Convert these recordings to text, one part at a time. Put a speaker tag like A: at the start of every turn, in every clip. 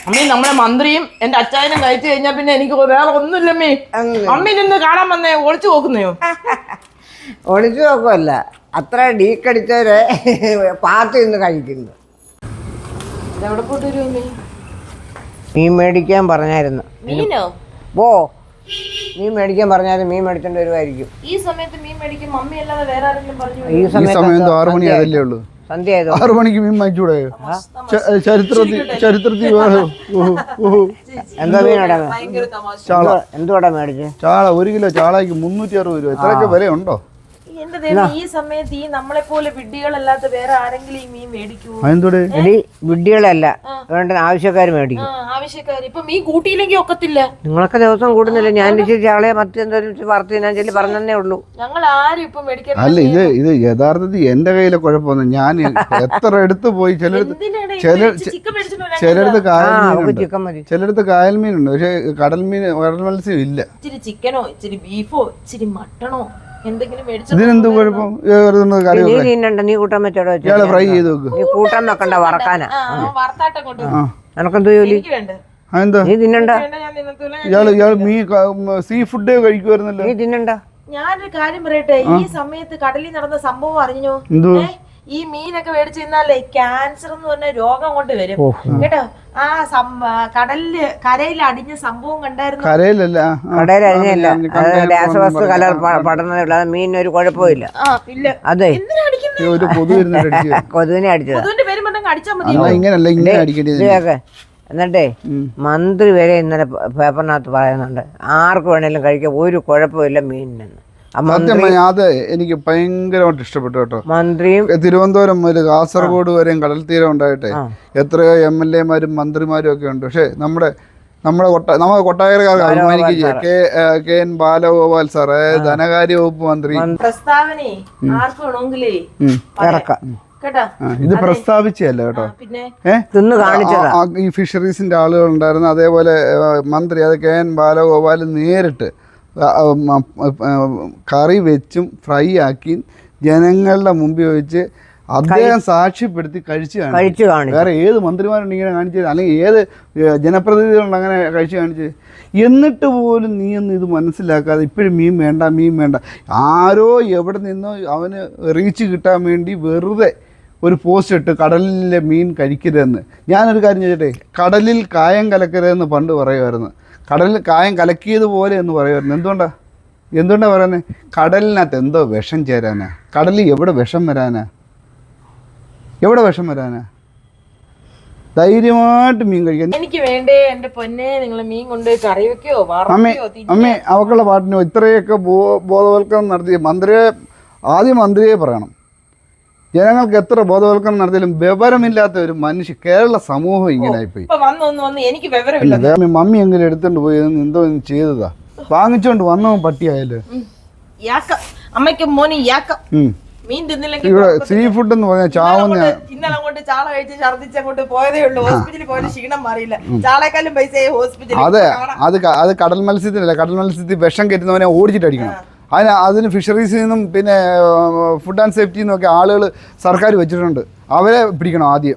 A: അമ്മീ നമ്മളെ മന്ത്രിയും എന്റെ അച്ചായനും കഴിച്ചു കഴിഞ്ഞാൽ പിന്നെ എനിക്ക് വേറെ ഒന്നുമില്ല അമ്മീ. അമ്മീ നിന്ന് കാണാൻ വന്നേ ഒളിച്ചു നോക്കുന്നയോ?
B: ഒളിച്ചു നോക്കുമല്ല, അത്ര ഡീക്കടിച്ചവരെ പാർട്ടി നിന്ന് കഴിക്കുന്നു.
A: എവിടെ പോയിട്ട് വരും അമ്മീ?
B: മീൻ മേടിക്കാൻ പറഞ്ഞായിരുന്നു.
A: മീനോ?
B: ഓ, മീൻ മേടിക്കാൻ പറഞ്ഞാലും മീൻ മേടിച്ചോണ്ട് വരുമായിരിക്കും.
A: ഈ സമയത്ത് മീൻ മേടിക്കും മമ്മി അല്ലാതെ വേറെ ആരെങ്കിലും പറഞ്ഞു?
B: ഈ സമയത്ത്
C: 6 മണി അതല്ലേ ഉള്ളൂ.
B: സന്ധ്യ
C: 6 മണിക്ക് മീൻ വാങ്ങിച്ചൂടെ? ചരിത്രത്തിൽ
B: എന്താ മീനോടാ? എന്തുവാടാ മേടിച്ചേ?
C: ചാള 1 കിലോ ചാളയ്ക്ക് 360 രൂപ. ഇത്രയൊക്കെ വിലയുണ്ടോ?
A: എന്റെ ദൈവം, ഈ സമയത്ത് ഈ നമ്മളെ പോലെ വിഡ്ഢികളല്ലാത്ത വേറെ ആരെങ്കിലും ഈ മീൻ മേടിക്കൂ?
C: അതെന്തോടെ?
B: വിഡ്ഢികളല്ല, വേണ്ട ആവശ്യക്കാർ മേടിക്കും.
A: ആവശ്യക്കാര് ഇപ്പൊ മീൻ കൂട്ടിയില്ലെങ്കിൽ ഒക്കത്തില്ല.
B: നിങ്ങളൊക്കെ ദിവസം കൂടുന്നില്ല. ഞാൻ ചാളയെ മറ്റെന്തെങ്കിലും വറുത്ത് ഞാൻ ചെല്ലി പറഞ്ഞേ ഉള്ളൂ.
A: ഞങ്ങൾ ആരും ഇപ്പൊ മേടിക്കാൻ.
C: അല്ല, ഇത് യഥാർത്ഥത്തിൽ എന്റെ കയ്യിലെ കുഴപ്പമൊന്നും. ഞാൻ എത്ര എടുത്ത് പോയി ചിലടത്ത് ചിലടത്ത് കായൽ മീനുണ്ട്, പക്ഷെ കടൽ മത്സ്യം ഇല്ല.
A: ഇച്ചിരി ചിക്കനോ ഇച്ചിരി ബീഫോ ഇച്ചിരി മട്ടണോ എന്തെങ്കിലും
C: ഇതിനെന്ത് കുഴപ്പം?
B: നീ കൂട്ടാൻ വെച്ചോടോ?
C: ഫ്രൈ ചെയ്ത് വെക്ക്.
B: നീ കൂട്ടാൻ വെക്കണ്ട, വറക്കാനാ.
C: എനക്കെന്തോ ജോലി?
B: നീ തിന്നണ്ട.
C: ഇയാള് മീൻ സീ ഫുഡ് കഴിക്കുമായിരുന്നല്ലോ.
B: നീ തിന്നണ്ട.
A: ഞാനൊരു കാര്യം പറയട്ടെ, ഈ സമയത്ത് കടലിൽ നടന്ന സംഭവം അറിഞ്ഞോ? ഈ മീനൊക്കെ മേടിച്ചു തിന്നാലേ ക്യാൻസർ എന്ന് പറഞ്ഞ രോഗം കൊണ്ട് വരും കേട്ടോ. ആ കടലില് കരയിൽ അടിഞ്ഞ സംഭവം കണ്ടായിരുന്നു.
C: കരയിലല്ല,
B: കടയിൽ അടിഞ്ഞല്ല, രാസവസ്തു കലർ പഠനമുള്ള മീനൊരു കുഴപ്പമില്ല. അതെ, കൊതുവിനെ അടിച്ചത്.
C: ഇങ്ങനല്ല, ഇങ്ങനെ അടിക്കേണ്ടത്.
B: എന്നിട്ടേ മന്ത്രി വരെ ഇന്നലെ പേപ്പറിനകത്ത് പറയുന്നുണ്ട് ആർക്ക് വേണേലും കഴിക്കാൻ ഒരു കുഴപ്പമില്ല മീനിനെന്ന്.
C: അത് എനിക്ക് ഭയങ്കരമായിട്ട് ഇഷ്ടപ്പെട്ടു കേട്ടോ.
B: മന്ത്രിയും
C: തിരുവനന്തപുരം മുതൽ കാസർഗോഡ് വരെയും കടൽ തീരം ഉണ്ടായിട്ടെ എത്രയോ MLA മാരും മന്ത്രിമാരും ഒക്കെ ഉണ്ട്. പക്ഷെ നമ്മുടെ കൊട്ടാരക്കാർക്ക് അഭിമാനിക്കുക KN ബാലഗോപാൽ സാറ്, ധനകാര്യ വകുപ്പ് മന്ത്രി. ഇത് പ്രസ്താവിച്ചല്ല കേട്ടോ, ഈ ഫിഷറീസിന്റെ ആളുകൾ ഉണ്ടായിരുന്നു. അതേപോലെ മന്ത്രി അത് KN ബാലഗോപാൽ നേരിട്ട് കറി വെച്ചും ഫ്രൈ ആക്കി ജനങ്ങളുടെ മുമ്പിൽ വെച്ച് അദ്ദേഹം സാക്ഷ്യപ്പെടുത്തി കഴിച്ചു കാണിച്ചു. വേറെ ഏത് മന്ത്രിമാരുണ്ട് ഇങ്ങനെ കാണിച്ചത്? അല്ലെങ്കിൽ ഏത് ജനപ്രതിനിധികളുണ്ട് അങ്ങനെ കഴിച്ചു കാണിച്ചത്? എന്നിട്ട് പോലും നീ ഒന്നും ഇത് മനസ്സിലാക്കാതെ ഇപ്പോഴും മീൻ വേണ്ട ആരോ എവിടെ നിന്നോ അവന് റീച്ച് കിട്ടാൻ വേണ്ടി വെറുതെ ഒരു പോസ്റ്റ് ഇട്ട് കടലിലെ മീൻ കഴിക്കരുതെന്ന്. ഞാനൊരു കാര്യം ചോദിച്ചട്ടെ, കടലിൽ കായം കലക്കരുതെന്ന് പണ്ട് പറയുമായിരുന്നു. കടലിൽ കായം കലക്കിയതുപോലെ എന്ന് പറയുമായിരുന്നു. എന്തുകൊണ്ടാണ് പറയുന്നത്? കടലിനകത്ത് എന്തോ വിഷം ചേരാനാ? കടലിൽ എവിടെ വിഷം വരാനാ? ധൈര്യമായിട്ട് മീൻ കഴിക്കാൻ.
A: എനിക്ക് വേണ്ടേ എന്റെ പൊന്നെ, നിങ്ങൾ മീൻ കൊണ്ട് കറി വെക്കോ?
C: അമ്മേ അവക്കുള്ള പാട്ടിനോ ഇത്രയൊക്കെ ബോധവൽക്കരണം നടത്തിയ മന്ത്രിയെ പറയണം. ജനങ്ങൾക്ക് എത്ര ബോധവൽക്കരണം നടത്തിയാലും വിവരമില്ലാത്ത ഒരു മനുഷ്യ കേരള സമൂഹം ഇങ്ങനായിപ്പോയി. മമ്മി എങ്ങനെ എടുത്തോണ്ട് പോയി എന്തോ ചെയ്തതാ? വാങ്ങിച്ചോണ്ട് വന്നവൻ പട്ടിയായല്ലോ. ഇവിടെ സീ ഫുഡ് എന്ന് പറഞ്ഞാൽ ചാവുന്ന.
A: ഇന്നലെ അങ്ങോട്ട് ചാള കഴിച്ച് ഛർദിച്ച് അങ്ങോട്ട് പോയതേ ഉള്ളൂ. ഹോസ്പിറ്റലിൽ പോയ ക്ഷീണം മാറിയില്ല. ചാളേക്കാളും പൈസ ഹോസ്പിറ്റലിൽ.
C: അത് കടൽ മത്സ്യത്തിനല്ല. കടൽ മത്സ്യത്തിൽ വിഷം കയറ്റുന്നവനെ ഓടിച്ചിട്ട് അടിക്കണം. അതിന് ഫിഷറീസിൽ നിന്നും പിന്നെ ഫുഡ് ആൻഡ് സേഫ്റ്റി നിന്നൊക്കെ ആളുകൾ സർക്കാർ വെച്ചിട്ടുണ്ട്. അവരെ പിടിക്കണം ആദ്യം.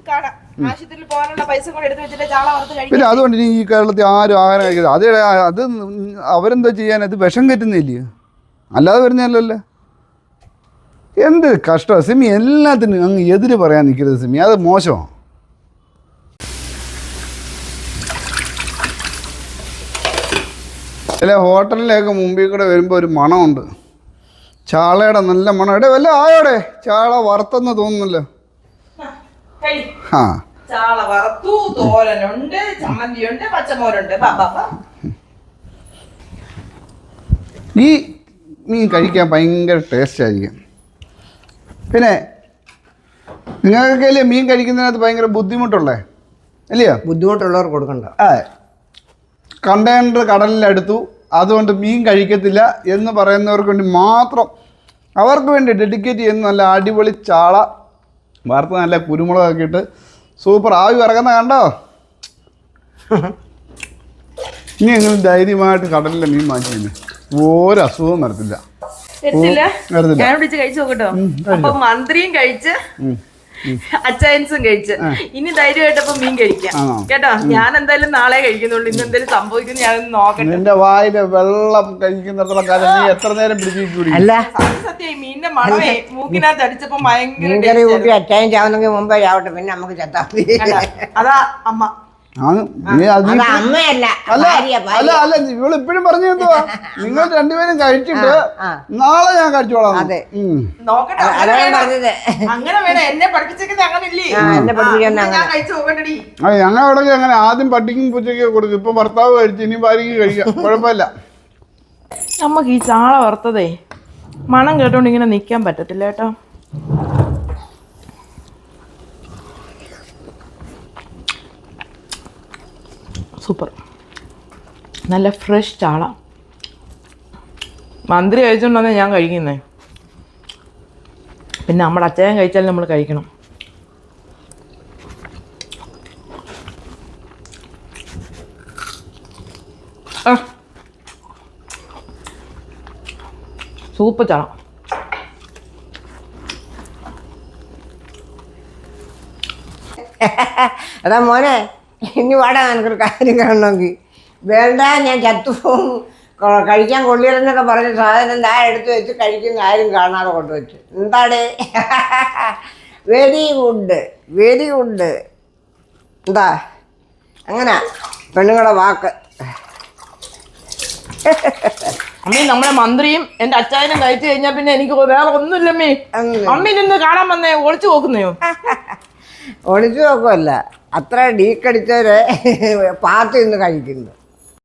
C: പിന്നെ അതുകൊണ്ട് ഇനി ഈ കേരളത്തിൽ ആരും ആഹാരം കഴിക്കരുത്. അത് അവരെന്താ ചെയ്യാൻ? അത് വിഷം കയറ്റുന്നില്ലേ, അല്ലാതെ വരുന്നതല്ലല്ലോ. എന്ത് കഷ്ടമാണ് സിമി. എല്ലാത്തിനും അങ്ങ് എതിര് പറയാൻ നിൽക്കരുത് സിമി, അത് മോശമാണ്. ചില ഹോട്ടലിലേക്ക് മുമ്പിൽ കൂടെ വരുമ്പോൾ ഒരു മണമുണ്ട്, ചാളയുടെ നല്ല മണം. എടേ വല്ല ആയോടെ ചാള വറുത്തെന്ന് തോന്നുന്നല്ലോ. ഈ മീൻ കഴിക്കാൻ ഭയങ്കര ടേസ്റ്റ് ആയിരിക്കും. പിന്നെ നിങ്ങൾക്കല്ലേ മീൻ കഴിക്കുന്നതിനകത്ത് ഭയങ്കര ബുദ്ധിമുട്ടുള്ളേ അല്ലയോ?
B: ബുദ്ധിമുട്ടുള്ളവർ കൊടുക്കണ്ട.
C: കണ്ടെയ്നർ കടലിലെടുത്തു, അതുകൊണ്ട് മീൻ കഴിക്കത്തില്ല എന്ന് പറയുന്നവർക്ക് വേണ്ടി മാത്രം, അവർക്ക് വേണ്ടി ഡെഡിക്കേറ്റ് ചെയ്യുന്ന നല്ല അടിപൊളി ചാള വറുത്ത് നല്ല കുരുമുളകൊക്കെ ഇട്ട് സൂപ്പർ ആവി ഇറങ്ങുന്ന കണ്ടോ. ഇനി എങ്ങനെ ധൈര്യമായിട്ട് കടലിലെ മീൻ വാങ്ങിച്ചു ഒരു അസുഖവും വരത്തില്ല.
A: ഞാൻ കഴിച്ചു നോക്കട്ടോ. അപ്പൊ മന്ത്രിയും കഴിച്ച് അച്ചായൻസും കഴിച്ച് ഇനി ധൈര്യമായിട്ടപ്പോ മീൻ കഴിക്കാം
C: ആണോ?
A: കേട്ടോ. ഞാൻ എന്തായാലും നാളെ കഴിക്കുന്നുള്ളൂ. ഇന്ന് എന്തായാലും സംഭവിക്കുന്നു ഞാനൊന്ന് നോക്കട്ടെ.
C: നിന്റെ വായില് വെള്ളം കഴിക്കുന്നിടത്തോളം കാലം നീ എത്ര നേരം പിടിച്ചിട്ട്
B: അല്ല
A: സത്യം ഈ മീനിന്റെ മണമേ മൂക്കിനകത്ത് അടിച്ചപ്പോ ഭയങ്കര
B: മീൻകറി കൂട്ടി അച്ചായം ചാവുന്നെങ്കിൽ മുമ്പേ ചാവട്ടെ, പിന്നെ നമുക്ക് ചത്താ മതി.
A: അതാ അമ്മ.
C: ആണ് നീ അത്
B: അത് അമ്മയല്ല,
C: അല്ല
B: ഭാര്യ, ഭാര്യ.
C: അല്ല അല്ല ഇവള് ഇപ്പഴും പറഞ്ഞു എന്തുവാ നിങ്ങൾ രണ്ടുപേരും കഴിച്ചിട്ട് നാളെ ഞാൻ കഴിച്ചോളാം.
B: അതെ.
A: നോക്കട്ടെ.
B: അതാ ഞാൻ പറഞ്ഞത്.
A: അങ്ങനെ വേണം. എന്നെ പഠിപ്പിച്ചേക്കുന്നത് അങ്ങനെ ഇല്ലേ?
B: എന്നെ പഠിപ്പിക്കുന്ന
A: ഞാൻ കഴിച്ചു നോക്കണ്ടടി.
C: ഞങ്ങൾ ഇവിടെ അങ്ങനെ ആദ്യം പട്ടിക്കും പൂച്ചയ്ക്ക് കൊടുക്കും. ഇപ്പൊ ഭർത്താവ് കഴിച്ചു, ഇനി ഭാര്യക്ക് കഴിക്കാം, കുഴപ്പമില്ല.
A: നമുക്ക് ഈ ചാള വറുത്തതേ മണം കേട്ടോണ്ട് ഇങ്ങനെ നിക്കാൻ പറ്റത്തില്ല കേട്ടോ. സൂപ്പർ, നല്ല ഫ്രഷ് ചാള. മന്ത്രി കഴിച്ചോണ്ടാണ് ഞാൻ കഴിക്കുന്നേ. പിന്നെ നമ്മുടെ അച്ചായൻ കഴിച്ചാലും നമ്മൾ കഴിക്കണം. സൂപ്പർ ചാള.
B: അതാ മോനെ, ഇനി വാടാ എനിക്കൊരു കാര്യം കാണണമെങ്കിൽ. വേണ്ട, ഞാൻ ചത്തുപോകും, കഴിക്കാൻ കൊള്ളിയില്ലെന്നൊക്കെ പറഞ്ഞ സാധനം ഞാൻ എടുത്ത് വെച്ച് കഴിക്കുന്ന ആരും കാണാതെ കൊണ്ടുവച്ചു. എന്താടേ? Very good, very good. എന്താ അങ്ങനെ പെണ്ണുങ്ങളുടെ വാക്ക്.
A: അമ്മീ നമ്മളെ മന്ത്രിയും എന്റെ അച്ചായനും കഴിച്ചു കഴിഞ്ഞാൽ പിന്നെ എനിക്ക് വേറെ ഒന്നുമില്ലമ്മേ. അമ്മി നിന്ന് കാണാൻ വന്നേ ഒളിച്ചു നോക്കുന്നയോ?
B: ഒളിച്ചു നോക്കുമല്ല, അത്ര ഡീക്കടിച്ചവരെ പാത്ത് ഇന്ന് കഴിക്കുന്നു.